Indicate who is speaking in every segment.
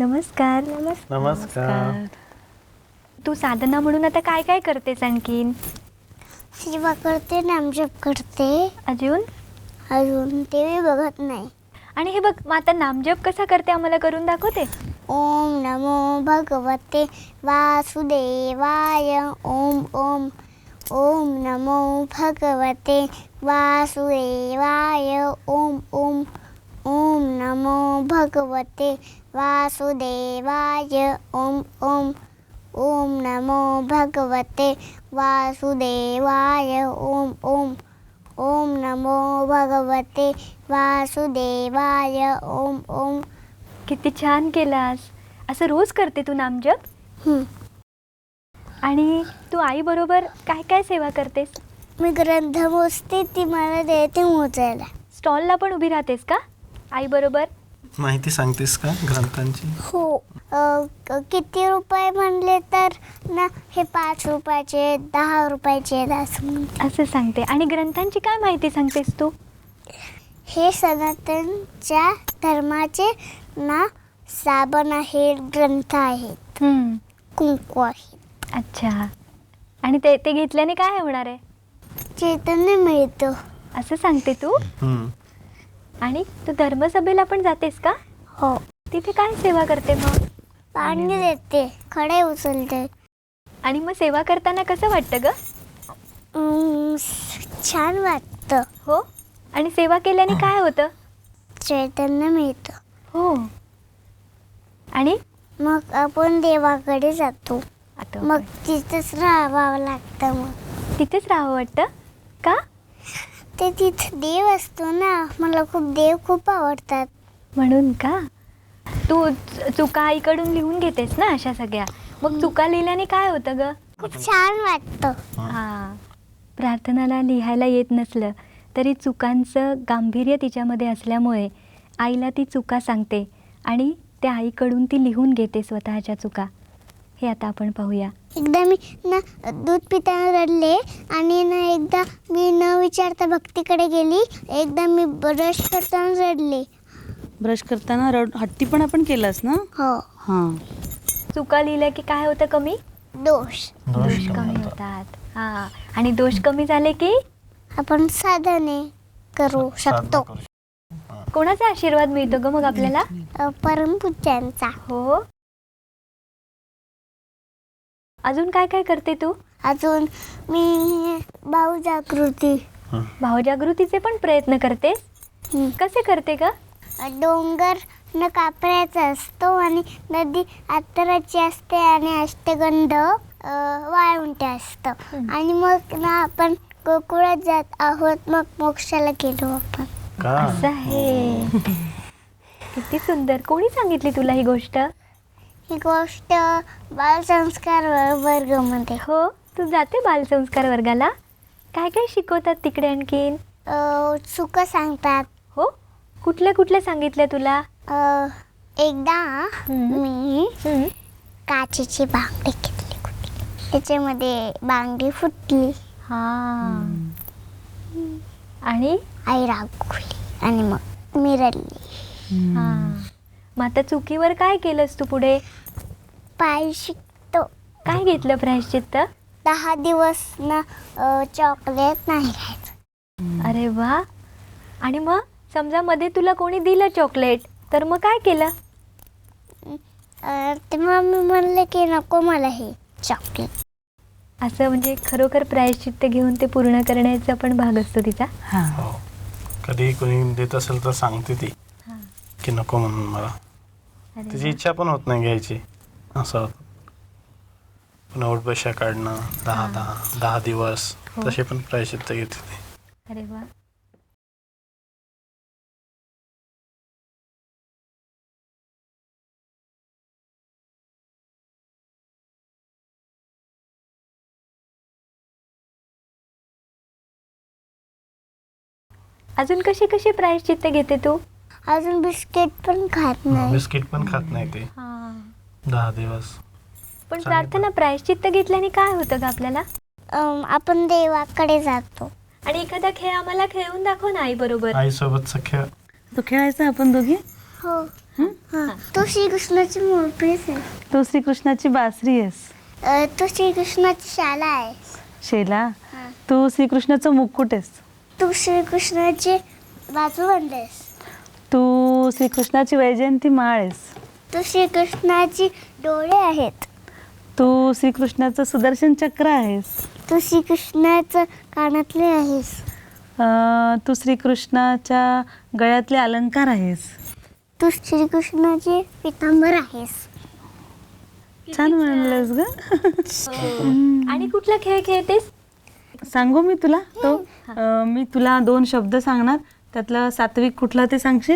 Speaker 1: नमस्कार.
Speaker 2: नमस्कार.
Speaker 1: तू साधना म्हणून आता काय काय करतेस आणखीन?
Speaker 3: सेवा करते, नामजप करते,
Speaker 1: अजून
Speaker 3: टीव्ही बघत नाही.
Speaker 1: आणि हे बघ, मग आता नामजप कसा करते आम्हाला करून दाखवते?
Speaker 3: ओम नमो भगवते वासुदेवाय. ओम ओम ओम नमो भगवते वासुदेवाय. ओम ओम ओम नमो भगवते वासुदेवाय. ओम ओम ओम नमो भगवते वासुदेवाय. ओम ओम ओम नमो भगवते वासुदेवाय. ओम ओम.
Speaker 1: किती छान केलास. असं रोज करते तू नामजप?
Speaker 3: हं.
Speaker 1: आणि तू आई बरोबर काय काय सेवा करतेस?
Speaker 3: मी ग्रंथ मोजते, ती मला देते मोजायला.
Speaker 1: स्टॉलला पण उभी राहतेस का आई बरोबर?
Speaker 2: माहिती सांगतेस का ग्रंथांची?
Speaker 3: हो. किती रुपये म्हणले तर ना, हे 5 रुपयाचे, 10 रुपयाचे असं म्हणते.
Speaker 1: असं सांगते. आणि ग्रंथांची काय माहिती सांगतेस तू?
Speaker 3: हे सनातनच्या धर्माचे ना साबण आहेत, ग्रंथ आहेत, कुंकू आहे.
Speaker 1: अच्छा. आणि ते घेतल्याने काय होणार आहे?
Speaker 3: चैतन्य मिळतं
Speaker 1: असं सांगते तू? आणि तू धर्मसभेला पण जातेस का?
Speaker 3: हो.
Speaker 1: तिथे काय सेवा करते मग?
Speaker 3: पाणी देते, खडे उचलते.
Speaker 1: आणि मग सेवा करताना कसं वाटतं ग?
Speaker 3: छान वाटतं.
Speaker 1: हो. आणि सेवा केल्याने काय होतं?
Speaker 3: चैतन्य मिळतं.
Speaker 1: हो. आणि
Speaker 3: मग आपण देवाकडे जातो.
Speaker 1: आता
Speaker 3: मग तिथंच राहावं लागतं. मग
Speaker 1: तिथेच राहावं वाटतं का?
Speaker 3: ते तिथं देव असतो ना, मला देव खूप आवडतात.
Speaker 1: म्हणून का? तू चुका आईकडून लिहून घेतेस ना अशा सगळ्या. मग चुका लिहिल्याने काय होतं ग?
Speaker 3: खूप छान वाटतं.
Speaker 1: हा. प्रार्थनाला लिहायला येत नसलं तरी चुकांचं गांभीर्य तिच्यामध्ये असल्यामुळे आईला ती चुका सांगते आणि त्या आईकडून ती लिहून घेते स्वतःच्या चुका. हे आता आपण पाहूया.
Speaker 3: एकदा मी ना दूध पिताना रडले आणि ना एकदा मी न विचारता भक्तीकडे गेली. एकदा मी ब्रश करताना रडले.
Speaker 4: ब्रश करताना हट्टी पण आपण केलास ना?
Speaker 3: हो.
Speaker 4: हां.
Speaker 1: चुका लिहिल्या की काय होतं कमी?
Speaker 3: दोष
Speaker 1: कमी होतात. हा. आणि दोष कमी झाले की
Speaker 3: आपण साधने करू शकतो.
Speaker 1: कोणाचा आशीर्वाद मिळतो ग मग आपल्याला?
Speaker 3: परमपूज्यांचा.
Speaker 1: हो. अजून काय काय करते तू?
Speaker 3: अजून मी भावजागृती.
Speaker 1: भावजागृतीचे पण प्रयत्न करतेस? कसे करते का?
Speaker 3: डोंगर न कापऱ्याचा असतो आणि नदी अत्तराची असते आणि अष्टगंध वाळुंटे असतं. आणि मग ना आपण गोकुळात जात आहोत. मग मोक्षाला गेलो आपण.
Speaker 1: असं आहे. किती सुंदर. कोणी सांगितली तुला ही गोष्ट?
Speaker 3: ही गोष्ट बालसंस्कार वर्गामध्ये.
Speaker 1: हो. तू जाते बालसंस्कार वर्गाला? काय काय शिकवतात तिकडे आणखीन?
Speaker 3: चुका सांगतात.
Speaker 1: हो. कुठल्या सांगितल्या तुला?
Speaker 3: एकदा मी काचेची बांगडी घेतली कुठली, त्याच्यामध्ये बांगडी फुटली.
Speaker 1: हा. आणि
Speaker 3: आई रागवली आणि मग मी रडली.
Speaker 1: हा. मग आता चुकीवर काय केलंस तू पुढे?
Speaker 3: प्रायश्चित्त.
Speaker 1: काय घेतलं प्रायश्चित्त?
Speaker 3: 10 दिवस ना चॉकलेट नाही खायचं.
Speaker 1: अरे वा. आणि मग समजा मध्ये तुला कोणी दिलं चॉकलेट तर मग काय केलं?
Speaker 3: तेव्हा मी म्हणले की नको मला हे चॉकलेट.
Speaker 1: असं म्हणजे खरोखर प्रायश्चित्त घेऊन ते पूर्ण करण्याचा पण भाग असतो तिचा.
Speaker 2: हो. कधी कोणी देत असेल तर सांगते ती की नको म्हणून मला. तिची इच्छा पण होत नाही घ्यायची. असं होतं. पुन्हा उठबशा काढणं 10 दिवस तसे पण प्रायश्चित्त घेते ती.
Speaker 1: अरे वा. अजून कशी कशी प्रायश्चित्त घेते तू?
Speaker 3: अजून बिस्किट पण खात नाही.
Speaker 2: बिस्किट पण खात नाही ते 10 दिवस.
Speaker 1: पण प्रार्थना प्रायश्चित्त घेतल्याने काय होतं ग आपल्याला?
Speaker 3: आपण देवाकडे जातो.
Speaker 1: आणि एखादा खेळ आम्हाला खेळून दाखव ना आई बरोबर.
Speaker 2: आईसोबतचा खेळ.
Speaker 4: तो खेळायचा आपण दोघी?
Speaker 3: हो हा. तू श्रीकृष्णाची मूर्तीच आहे.
Speaker 4: तू श्रीकृष्णाची बासरी आहेस.
Speaker 3: तू श्रीकृष्णाची शाला आहेस.
Speaker 4: शेला, तू श्रीकृष्णाचं मुकुट आहेस.
Speaker 3: तू श्रीकृष्णाची बाजूबंद आहेस.
Speaker 4: तू श्रीकृष्णाची वैजयंती माळ आहेस.
Speaker 3: तू श्रीकृष्णाची डोळे आहेत.
Speaker 4: तू श्रीकृष्णाचं सुदर्शन चक्र आहेस.
Speaker 3: तू श्रीकृष्णाचं कानातले आहेस.
Speaker 4: तू श्रीकृष्णाच्या गळ्यातले अलंकार आहेस.
Speaker 3: तू श्रीकृष्णाचे पितांबर आहेस.
Speaker 4: छान म्हणलंस ग.
Speaker 1: आणि कुठला खेळ खेळतेस?
Speaker 4: सांगू मी तुला तो? मी तुला 2 शब्द सांगणार, त्यातलं सात्विक कुठला ते सांगशील?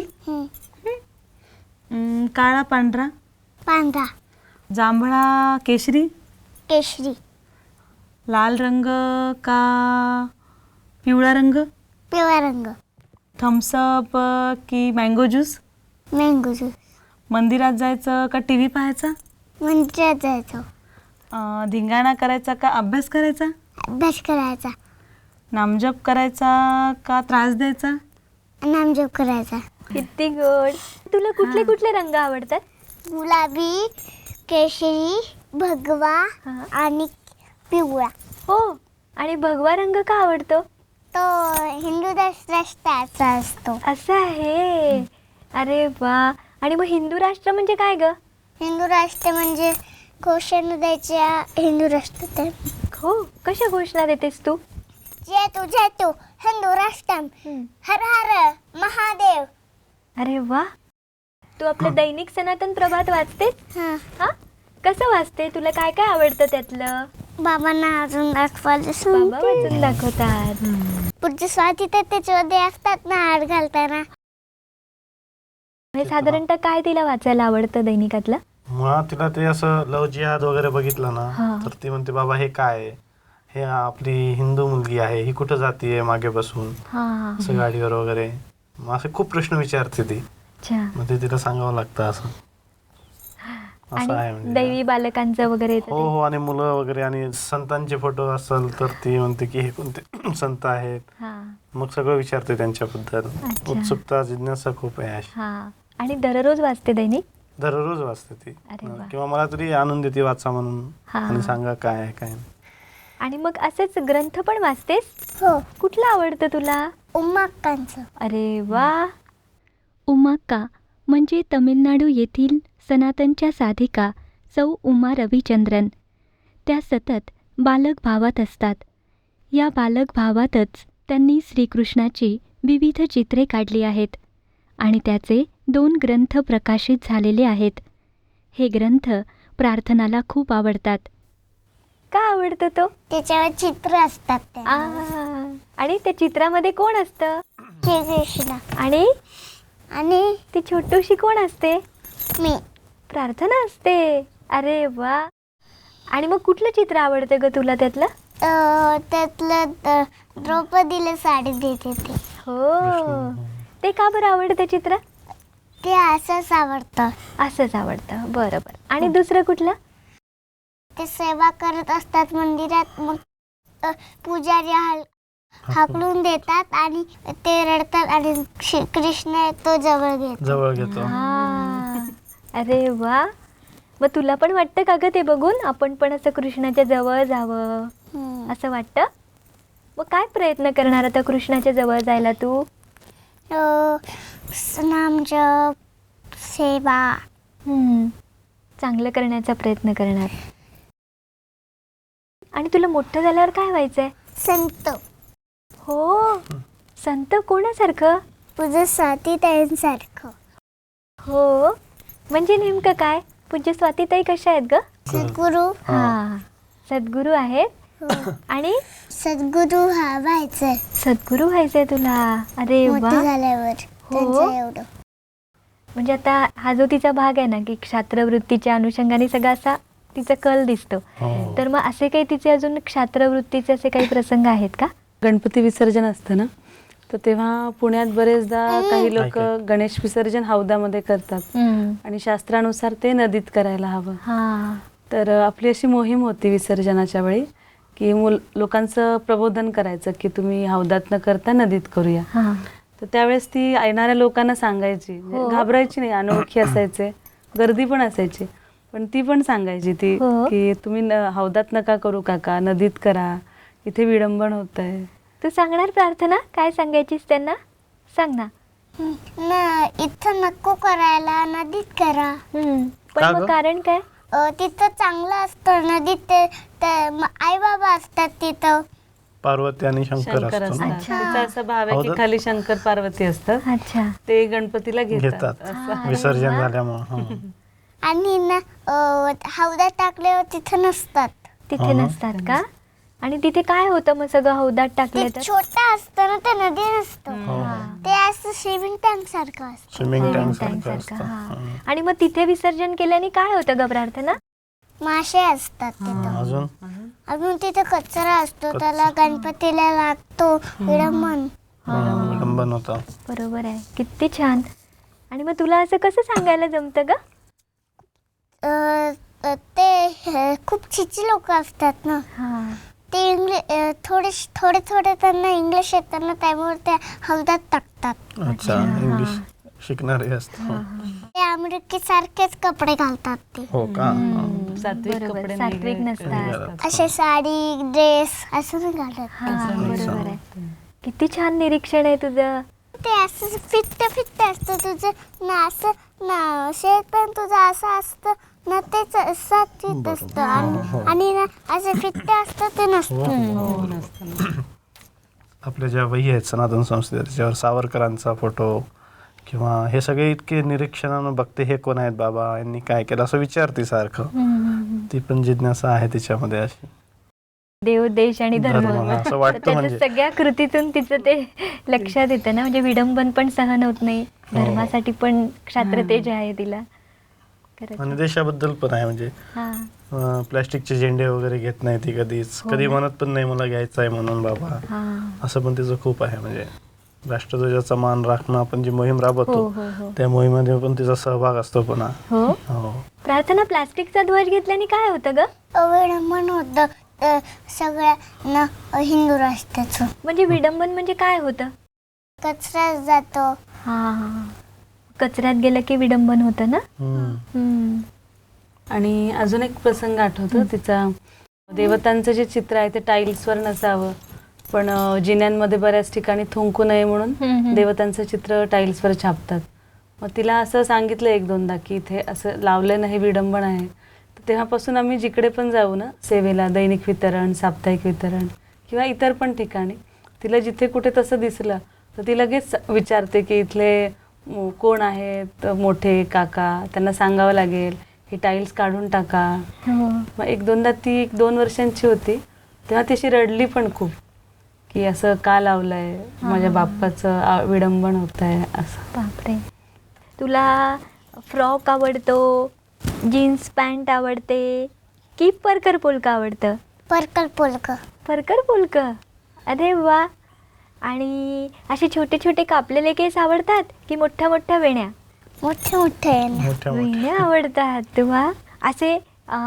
Speaker 4: काळा पांढरा,
Speaker 3: पांढरा,
Speaker 4: जांभळा केशरी,
Speaker 3: केशरी,
Speaker 4: लाल रंग का पिवळा रंग,
Speaker 3: पिवळा रंग,
Speaker 4: थम्सअप की मँगो ज्यूस,
Speaker 3: मँगो ज्यूस,
Speaker 4: मंदिरात जायचं का टी व्ही पाहायचा,
Speaker 3: मंदिरात जायचं,
Speaker 4: धिंगाणा करायचा का अभ्यास करायचा,
Speaker 3: अभ्यास करायचा,
Speaker 4: नामजप करायचा का त्रास द्यायचा,
Speaker 3: नामजप करायचा.
Speaker 1: किती गोड. तुला कुठले कुठले रंग आवडतात?
Speaker 3: गुलाबी, केशरी, भगवा
Speaker 1: हा.
Speaker 3: आणि पिवळा.
Speaker 1: हो. आणि भगवा रंग का आवडतो?
Speaker 3: तो हिंदू राष्ट्राचा असतो.
Speaker 1: असं आहे. अरे वा. आणि मग हिंदू राष्ट्र म्हणजे काय ग?
Speaker 3: हिंदू राष्ट्र म्हणजे घोषणा द्यायच्या हिंदू राष्ट्र.
Speaker 1: हो. कशा घोषणा देतेस तू?
Speaker 3: जय तू हिंदू राष्ट्रम, हर हर महादेव.
Speaker 1: अरे वा. तू आपलं दैनिक सनातन प्रभात वाचतेस?
Speaker 3: हा.
Speaker 1: हा. कसं वाचते? तुला काय काय आवडतं त्यातलं?
Speaker 3: बाबांना अजून दाखवायला
Speaker 1: बाबा
Speaker 3: सांगते.
Speaker 1: वाचून दाखवतात.
Speaker 3: पुढचे स्वाती तर त्याच्यामध्ये असतात ना हार घालताना.
Speaker 1: हे साधारणतः काय तिला वाचायला आवडतं दैनिकातलं?
Speaker 2: मुळात तिला ते असं लव जिहाद वगैरे बघितलं
Speaker 1: हा.
Speaker 2: ना, तर ती म्हणते बाबा हे काय आहे? हे आपली हिंदू मुलगी आहे, ही कुठं जातीये मागे बसून
Speaker 1: हा.
Speaker 2: असं गाडीवर वगैरे. मग असे खूप प्रश्न विचारते ती.
Speaker 1: अच्छा.
Speaker 2: मग ते तिला सांगावं लागतं असं असं आहे
Speaker 1: आणि
Speaker 2: म्हणजे.
Speaker 1: दैवी बालकांचं वगैरे येतं
Speaker 2: हो
Speaker 1: ते?
Speaker 2: हो. आणि मुलं वगैरे आणि संतांचे फोटो असेल तर ती म्हणते की हे कोणते संत आहेत.
Speaker 1: हा.
Speaker 2: मग सगळं विचारते त्यांच्याबद्दल.
Speaker 1: अच्छा.
Speaker 2: उत्सुकता जिज्ञासा खूप आहे अशी.
Speaker 1: हा. आणि दररोज वाचते दैनिक?
Speaker 2: दररोज वाचते ती.
Speaker 1: अरे वा.
Speaker 2: किंवा मला तरी आणून देते वाचा म्हणून
Speaker 1: हा.
Speaker 2: आणि सांगा काय आहे काय नाही.
Speaker 1: आणि मग असेच ग्रंथ पण वाचतेस?
Speaker 3: हो.
Speaker 1: कुठलं आवडतं तुला?
Speaker 3: उमाकांचं.
Speaker 1: अरे वा. उमाक्का म्हणजे तमिळनाडू येथील सनातनच्या साधिका सौ उमा रविचंद्रन. त्या सतत बालक भावात असतात. या बालक भावातच त्यांनी श्रीकृष्णाची विविध चित्रे काढली आहेत आणि त्याचे 2 ग्रंथ प्रकाशित झालेले आहेत. हे ग्रंथ प्रार्थनाला खूप आवडतात. का आवडतं तो?
Speaker 3: त्याच्यावर चित्र असतात ते.
Speaker 1: आणि त्या चित्रामध्ये कोण असतं?
Speaker 3: श्रीकृष्ण.
Speaker 1: आणि ती छोटूशी कोण असते?
Speaker 3: मी.
Speaker 1: प्रार्थना असते. अरे वा. आणि मग कुठलं चित्र आवडतं ग तुला त्यातलं?
Speaker 3: त्यातलं द्रौपदीला साडी देते ते.
Speaker 1: हो. ते का बरं आवडतं चित्र?
Speaker 3: ते असंच आवडतं.
Speaker 1: असंच आवडतं. बरं बरं. आणि दुसरं कुठलं?
Speaker 3: ते सेवा करत असतात मंदिरात. मग पुजारी हाकलून देतात आणि ते रडतात आणि कृष्ण तो जवळ घेतो.
Speaker 1: हा. अरे वा. मग तुला पण वाटतं का ग ते बघून आपण पण असं कृष्णाच्या जवळ जावं असं वाटतं? मग काय प्रयत्न करणार आता कृष्णाच्या जवळ जायला तू?
Speaker 3: नामजप, सेवा.
Speaker 1: चांगलं करण्याचा प्रयत्न करणार. आणि तुला मोठं झाल्यावर काय व्हायचंय?
Speaker 3: संत.
Speaker 1: हो. संत कोणासारखं?
Speaker 3: पूज्य स्वातीताईंसारखं.
Speaker 1: हो. म्हणजे नेमकं काय? पूज्य स्वातीताई कशा आहेत ग?
Speaker 3: सद्गुरू.
Speaker 1: हा. सद्गुरू आहेत. आणि
Speaker 3: सद्गुरू व्हायचंय.
Speaker 1: सद्गुरू व्हायचंय तुला. अरे वा.
Speaker 3: मोठे झाल्यावर. त्यांचं एवढं.
Speaker 1: म्हणजे आता हा जो तिचा भाग आहे ना की क्षात्रवृत्तीच्या अनुषंगाने सगळा असा तिचा कल दिसतो. तर मग असे काही तिचे अजून क्षात्रवृत्तीचे असे काही प्रसंग आहेत का?
Speaker 4: गणपती विसर्जन असतं ना, तर तेव्हा पुण्यात बरेचदा काही लोक गणेश विसर्जन हौदामध्ये करतात आणि शास्त्रानुसार ते नदीत करायला हवं.
Speaker 1: हा.
Speaker 4: तर आपली अशी मोहीम होती विसर्जनाच्या वेळी की लोकांचं प्रबोधन करायचं की तुम्ही हौदात न करता नदीत करूया.
Speaker 1: हा.
Speaker 4: तर त्यावेळेस ती येणाऱ्या लोकांना सांगायची,
Speaker 1: हो.
Speaker 4: घाबरायची नाही, अनोळखी असायचे, गर्दी पण असायची, पण ती पण सांगायची ती
Speaker 1: हो.
Speaker 4: की तुम्ही हौदात नका करू काका, नदीत करा, इथे विडंबन होत आहे.
Speaker 1: तू सांगणार प्रार्थना, काय सांगायचीस त्यांना? सांग ना.
Speaker 3: इथं नको करायला, नदीत करा.
Speaker 1: पण
Speaker 2: का
Speaker 1: मग
Speaker 2: गं?
Speaker 1: कारण काय?
Speaker 3: तिथं चांगलं असतं. नदीत आई बाबा असतात तिथं.
Speaker 2: पार्वती आणि शंकर
Speaker 4: शंकर
Speaker 2: असतो ना.
Speaker 4: असतात.
Speaker 1: अच्छा.
Speaker 4: तिचा असा भाव आहे की
Speaker 2: हौदात?
Speaker 4: खाली शंकर पार्वती असतात,
Speaker 1: अच्छा.
Speaker 4: ते गणपतीला घेतात
Speaker 2: घेतात
Speaker 4: असं.
Speaker 1: अरे
Speaker 2: विसर्जन
Speaker 1: वा.
Speaker 2: झाल्यामुळं.
Speaker 3: आणि ना हौदात टाकल्यावर तिथं नसतात.
Speaker 1: तिथे
Speaker 2: हो ना.
Speaker 1: नसतात का? आणि तिथे काय होतं मग सगळं हौदात टाकलं
Speaker 3: ते
Speaker 1: तर?
Speaker 3: छोटं असतं ना, ते नदी नसतं.
Speaker 2: हो
Speaker 3: ते असं स्विमिंग टँक सारखं असतं.
Speaker 2: स्विमिंग
Speaker 1: Swimming
Speaker 2: टँक
Speaker 1: tank
Speaker 2: सारखं
Speaker 1: सारखं,
Speaker 2: असतं.
Speaker 1: हा.
Speaker 2: हं.
Speaker 1: आणि मग तिथे विसर्जन केल्याने काय होतं ग प्रार्थना?
Speaker 3: मासे असतात तिथं.
Speaker 2: अजून
Speaker 3: अजून तिथं कचरा असतो, त्याला गणपतीला लागतो विडंबन.
Speaker 2: विडंबन होतं.
Speaker 1: बरोबर आहे, किती छान. आणि मग तुला असं कसं सांगायला जमतं ग?
Speaker 3: ते खूप चिची लोक असतात ना,
Speaker 1: हा.
Speaker 3: ते थोडे त्यांना इंग्लिश येतात ना, त्यामुळे ते हौदात टाकतात.
Speaker 2: अच्छा, इंग्लिश शिकणारे असतं.
Speaker 3: ते अमेरिकेसारखेच कपडे घालतात ते.
Speaker 2: हो का?
Speaker 4: सात्विक
Speaker 1: बरोबर,
Speaker 4: कपडे
Speaker 1: सात्विक
Speaker 4: नाही
Speaker 1: नसतात.
Speaker 4: घालत.
Speaker 3: असे साडी ड्रेस असं नाही घालत.
Speaker 1: हा, बरोबर आहे. किती छान निरीक्षण आहे तुझं.
Speaker 3: ते असं फिट्ट असतं तुझं ना, असं ना शेत पण तुझं असं असतं ना, तेच सात्विक असतं. आणि ना असं फिट्ट असतं ते नसतं.
Speaker 4: हो, नसतं.
Speaker 2: आपल्या ज्या वही आहेत सनातन संस्थेत, त्याच्यावर सावरकरांचा फोटो किंवा हे सगळे इतके निरीक्षणानं बघते, हे कोण आहेत बाबा, यांनी काय केलं असं विचारते सारखं. ती पण जिज्ञासा आहे तिच्यामध्ये अशी.
Speaker 1: देव, देश आणि धर्म,
Speaker 2: धर्म, हा, असं
Speaker 1: तर
Speaker 2: वाटतं
Speaker 1: त्याच्या
Speaker 2: म्हणजे.
Speaker 1: सगळ्या कृतीतून तिचं ते लक्षात येतं ना. म्हणजे विडंबन पण सहन होत नाही,
Speaker 2: हो.
Speaker 1: धर्मासाठी पण क्षात्रतेज आहे तिला. खरंच.
Speaker 2: आणि देशाबद्दल पण आहे, म्हणजे
Speaker 1: हा,
Speaker 2: प्लॅस्टिकचे झेंडे वगैरे घेत नाही ती कधीच,
Speaker 1: हो
Speaker 2: कधी
Speaker 1: ना.
Speaker 2: म्हणत पण नाही मला घ्यायचं आहे म्हणून बाबा,
Speaker 1: हा.
Speaker 2: असं पण तिचं खूप आहे. म्हणजे राष्ट्रध्वजाचा मान राखणं आपण जी मोहीम
Speaker 1: हो
Speaker 2: राबवतो,
Speaker 1: हो हो
Speaker 2: त्या मोहिमेमध्ये पण तिचा सहभाग असतो पुन्हा.
Speaker 1: हो.
Speaker 2: हो.
Speaker 1: प्रार्थना, प्लास्टिकचा ध्वज घेतल्याने काय होतं ग?
Speaker 3: विडंबन होतं सगळ्यांना हिंदू राष्ट्राचं.
Speaker 1: म्हणजे विडंबन म्हणजे काय होतं?
Speaker 3: कचरा जातो.
Speaker 1: हा, कचऱ्यात गेलं की विडंबन होतं ना.
Speaker 2: हम्म.
Speaker 4: आणि अजून एक प्रसंग आठवतो तिचा, देवतांचं जे चित्र आहे ते टाईल्सवर नसावं, पण जिन्यांमध्ये बऱ्याच ठिकाणी थुंकू नये म्हणून देवतांचं चित्र टाईल्सवर छापतात. मग तिला असं सांगितलं एक दोनदा की इथे असं लावलं नाही, विडंबन आहे. तर तेव्हापासून आम्ही जिकडे पण जाऊ ना सेवेला, दैनिक वितरण, साप्ताहिक वितरण किंवा इतर पण ठिकाणी, तिला जिथे कुठे तसं दिसलं तर ती लगेच विचारते की इथले कोण आहेत मोठे काका, त्यांना सांगावं लागेल ही टाईल्स काढून टाका.
Speaker 1: हो.
Speaker 4: मग एक दोनदा ती 1-2 वर्षांची होती तेव्हा ती अशी रडली पण खूप की असं का लावलंय, माझ्या बाप्पाचं विडंबन होत आहे असं.
Speaker 1: बापरे. तुला फ्रॉक आवडतो, जीन्स पॅन्ट आवडते की परकर पोलका आवडतं?
Speaker 3: परकर पोलक.
Speaker 1: परकर पोलक, अरे वा. आणि असे छोटे छोटे कापलेले केस आवडतात की मोठ्या मोठ्या वेण्या?
Speaker 3: मोठे मोठे आहे ना.
Speaker 2: मोठ्या मोठ्या.
Speaker 1: वेण्या आवडतात. वा. असे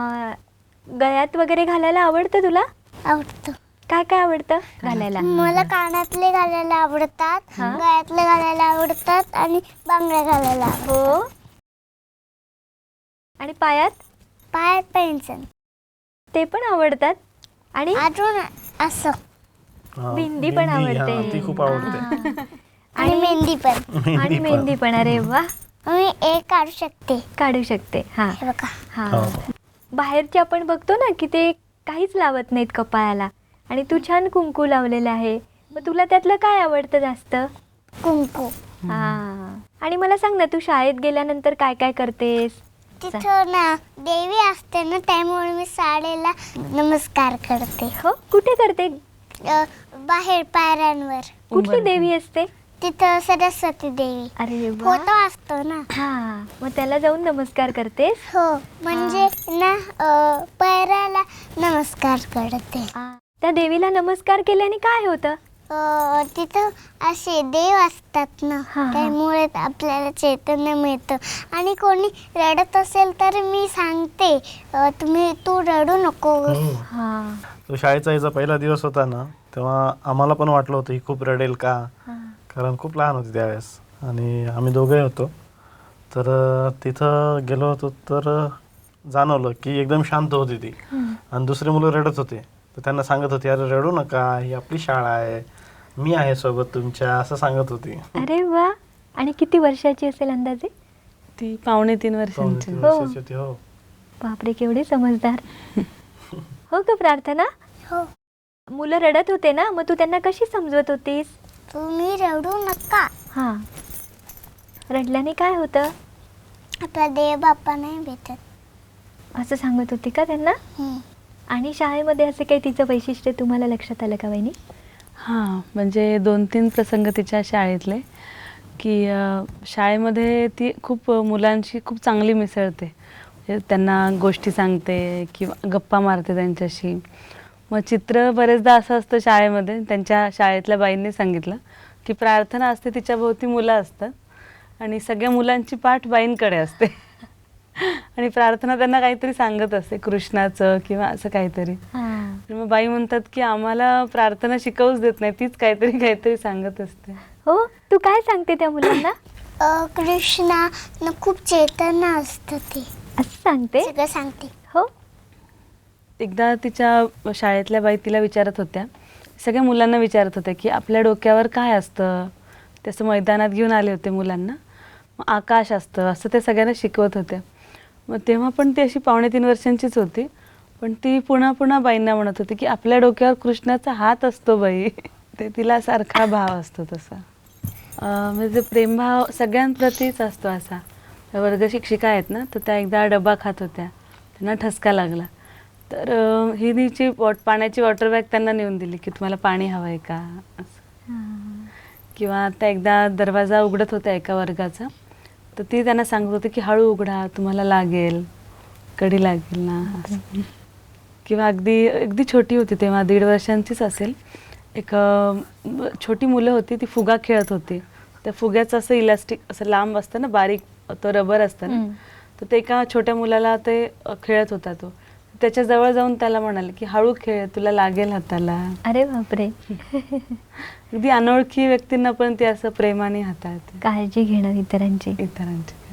Speaker 1: गळ्यात वगैरे घालायला आवडतं तुला?
Speaker 3: आवडतं.
Speaker 1: काय काय आवडतं घालायला?
Speaker 3: मला कानातले घालायला आवडतात,
Speaker 1: हा?
Speaker 3: गळ्यातले घालायला आवडतात आणि बांगड्या घालायला आवडतात.
Speaker 1: हो. आणि पायात?
Speaker 3: पायात पेन्शन.
Speaker 1: ते पण आवडतात. आणि
Speaker 3: अजून असं
Speaker 2: हा,
Speaker 1: बिंदी पण
Speaker 2: हा,
Speaker 1: आवडते.
Speaker 2: ती खूप आवडते.
Speaker 1: हा.
Speaker 3: आणि मेहंदी पण.
Speaker 1: आणि मेहंदी पण. अरे वा.
Speaker 3: मी एक काढू शकते.
Speaker 1: काढू शकते. हा
Speaker 3: हे बघा.
Speaker 1: हा.
Speaker 2: हो.
Speaker 1: बाहेरचे आपण बघतो ना की ते काहीच लावत नाहीत कपाळाला, आणि तू छान कुंकू लावलेलं आहे. मग तुला त्यातलं काय आवडतं जास्त?
Speaker 3: कुंकू.
Speaker 1: हा. आणि मला सांग ना, तू शाळेत गेल्यानंतर काय काय करतेस?
Speaker 3: तिथं ना देवी असते ना, त्यामुळे मी साडेला नमस्कार करते.
Speaker 1: हो. कुठे करते?
Speaker 3: बाहेर पायऱ्यांवर.
Speaker 1: कुठली देवी असते?
Speaker 3: तिथं सरस्वती देवी
Speaker 1: अरे वा.
Speaker 3: फोटो असतो ना.
Speaker 1: हा. मग त्याला जाऊन नमस्कार करतेस?
Speaker 3: हो, म्हणजे ना पायऱ्याला नमस्कार करते.
Speaker 1: त्या देवीला नमस्कार केल्याने काय होतं?
Speaker 3: तिथं असे देव असतात ना,
Speaker 1: हा, हा.
Speaker 3: त्यामुळे आपल्याला चैतन्य मिळतं. आणि कोणी रडत असेल तर मी सांगते, तू रडू नको.
Speaker 2: हो.
Speaker 1: हा.
Speaker 2: तो शाळेचा याचा पहिला दिवस होता ना, तेव्हा आम्हाला पण वाटलं होतं ही खूप रडेल का, कारण खूप लहान होती त्यावेळेस आणि आम्ही दोघे होतो. तर तिथं गेलो होतो तर जाणवलं की एकदम शांत होती ती आणि दुसरी मुलं रडत होते. तर त्यांना सांगत होती, अरे रडू नका, ही आपली शाळा आहे, मी आहे सोबत तुमच्या, असं सांगत होती.
Speaker 1: अरे वा. आणि किती वर्षाची असेल अंदाजे?
Speaker 4: ती 2.5 वर्षांची.
Speaker 2: 2-3 वर्षाची होती. हो.
Speaker 1: बापरे, केवढे समजदार. हो का प्रार्थना?
Speaker 3: हो.
Speaker 1: मुलं रडत होते ना, मग तू त्यांना कशी समजवत होतीस?
Speaker 3: तुम्ही रडू नका,
Speaker 1: हां. रडल्याने काय होतं
Speaker 3: आपला देव बाप्पा नाही भेटत.
Speaker 1: असं सांगत होती का त्यांना? आणि शाळेमध्ये असे काही तिचं वैशिष्ट्य तुम्हाला लक्षात आलं का वहिनी?
Speaker 4: हां, म्हणजे 2-3 प्रसंग तिच्या शाळेतले, की शाळेमध्ये ती खूप मुलांशी खूप चांगली मिसळते. म्हणजे त्यांना गोष्टी सांगते किंवा गप्पा मारते त्यांच्याशी. मग चित्र बरेचदा असं असतं शाळेमध्ये, त्यांच्या शाळेतल्या बाईंनी सांगितलं की प्रार्थना असते, तिच्या भोवती मुलं असतात आणि सगळ्या मुलांची पाठ बाईंकडे असते. आणि प्रार्थना त्यांना काहीतरी सांगत असते, कृष्णाचं किंवा असं काहीतरी. तर मग बाई म्हणतात की आम्हाला प्रार्थना शिकवूच देत नाही, तीच काहीतरी सांगत असते.
Speaker 1: हो, तू काय सांगते त्या मुलांना?
Speaker 3: कृष्णा खूप चैतन्य असतं, ते
Speaker 1: असं सांगते?
Speaker 3: सगळं सांगते.
Speaker 1: हो.
Speaker 4: एकदा तिच्या शाळेतल्या बाई तिला विचारत होत्या, सगळ्या मुलांना विचारत होत्या की आपल्या डोक्यावर काय असतं. तसं मैदानात घेऊन आले होते मुलांना. मग आकाश असतं असं ते सगळ्यांना शिकवत होत्या. मग तेव्हा पण ती अशी 2.5 वर्षांचीच होती, पण ती पुन्हा बाईंना म्हणत होती की आपल्या डोक्यावर कृष्णाचा हात असतो बाई. ते तिला सारखा भाव असतो तसा. म्हणजे प्रेमभाव सगळ्यांप्रतीच असतो असा. वर्ग शिक्षिका आहेत ना, तर त्या एकदा डबा खात होत्या, त्यांना ठसका लागला. तर ही तिची पाण्याची वॉटर बॅग त्यांना नेऊन दिली की तुम्हाला पाणी हवं आहे का असं. किंवा त्या एकदा दरवाजा उघडत होत्या एका वर्गाचा, तर ती त्यांना सांगत होती की हळू उघडा, तुम्हाला लागेल, कडी लागेल ना असं. किंवा अगदी छोटी होती तेव्हा, 1.5 वर्षांचीच असेल, एक छोटी मुलं होती, ती फुगा खेळत होती. त्या फुग्याचं असं इलास्टिक असं लांब असतं ना, बारीक तो रबर असतं ना, तर ते एका छोट्या मुलाला ते खेळत होता. तो त्याच्या जवळ जाऊन त्याला म्हणाले की हळू खेळ, तुला लागेल हाताला.
Speaker 1: अरे बापरे.
Speaker 4: अगदी अनोळखी व्यक्तींना पण ती असं प्रेमाने हाताळते.
Speaker 1: काळजी घेणं इतरांची.
Speaker 4: इतरांची.